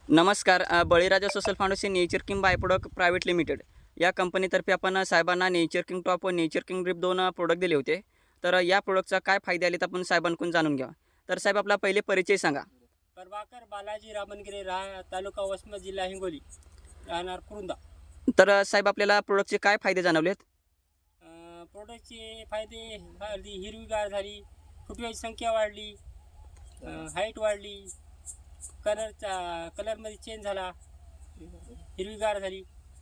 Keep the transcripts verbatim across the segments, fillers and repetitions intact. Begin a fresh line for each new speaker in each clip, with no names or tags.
नमस्कार. अ, Baliraja social foundation nature king by product private limited या कंपनीतर्फे आपण साहेबांना नेचर किंग टॉप व नेचर किंग ड्रिप दोन अ, प्रोडक्ट दिले होते. तर अ, या प्रोडक्टचा काय फायदे आलेत आपण साहेबांकडून जाणून घ्या. तर साहेब आपला पहिले परिचय सांगा.
प्रभाकर बालाजी रामनगिरे, राह तालुका वसमत, जिल्हा हिंगोली, राहणार कुरुंदा.
तर अ, साहेब आपल्याला प्रोडक्टचे काय फायदे जाणवलेत?
अं, प्रोडक्टचे फायदे झाली, हिरवीगार झाली, फुटव्याची संख्या वाढली, हाईट वाढली, कलरचा कलरमध्ये चेंज झाला, हिरवीगार झाली.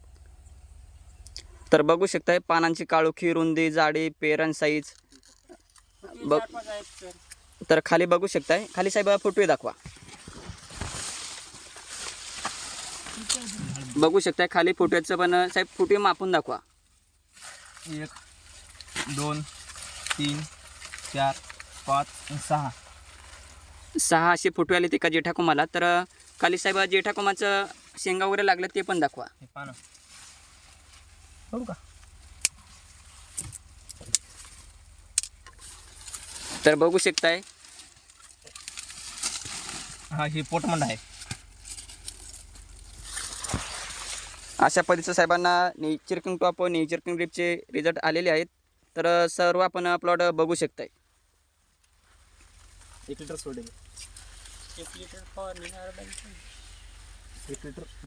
तर बघू शकताय पानांची काळोखी, रुंदी, जाडी, पेरण साईज.
फुटवे
बघ
चार पाच आहेत सर.
तर खाली बघू शकताय. खाली साहेब फुटवे दाखवा. बघू शकताय खाली फुटव्याचं पण अ, साहेब फुटवे मापून दाखवा.
एक दोन तीन चार पाच आणि सहा.
सहा असे फुटवे आले ते का जेठाकुमाला. तर अ, खाली साहेब जेठाकुमाचं शेंगा वगैरे लागलं ते पण दाखवा.
हे पानं बघू का?
तर बघू शकताय
हा हे पोटमंड आहे.
अशा पद्धतीचं साहेबांना नेचर किंग टॉप व नेचर किंग ड्रिपचे रिझल्ट आलेले आहेत. तर अ, सर्व आपण प्लॉट बघू शकताय.
एक लिटर सोडेल.
एक लिटर फवारणी
एक लिटर